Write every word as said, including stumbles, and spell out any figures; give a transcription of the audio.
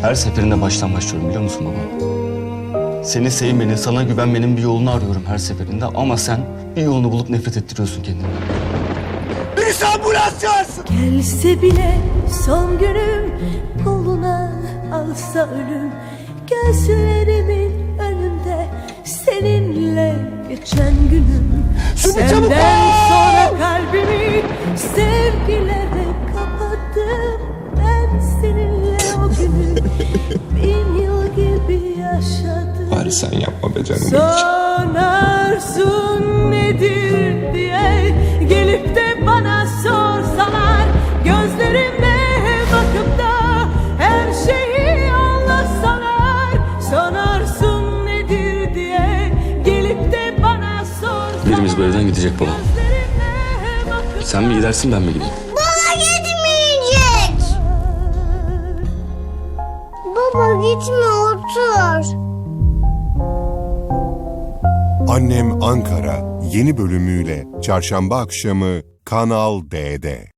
Her seferinde baştan başlıyorum biliyor musun baba? Seni sevmenin, sana güvenmenin bir yolunu arıyorum her seferinde ama sen bir yolunu bulup nefret ettiriyorsun kendini. Birisi ambulans çağırsın. Gelse bile son günüm, koluna alsa ölüm. Gözlerimin önünde seninle geçen günüm. Şunu çabuk Senden al! sonra kalbimi sevgilerle kapattım. Ben seninle o günü bin yıl gibi yaşadım. Bari sen yapma be canım. Son arzun nedir diye gelip de bana sorsalar, gözlerime bakıp da her şeyi anlatsalar. Son arzun nedir diye gelip de bana sorsalar. Birimiz bu evden gidecek baba. Gözlerime bakıp Sen mi gidersin ben mi gideyim? Baba gitmeyecek. Baba gitme, otur. Annem Ankara yeni bölümüyle çarşamba akşamı Kanal D'de.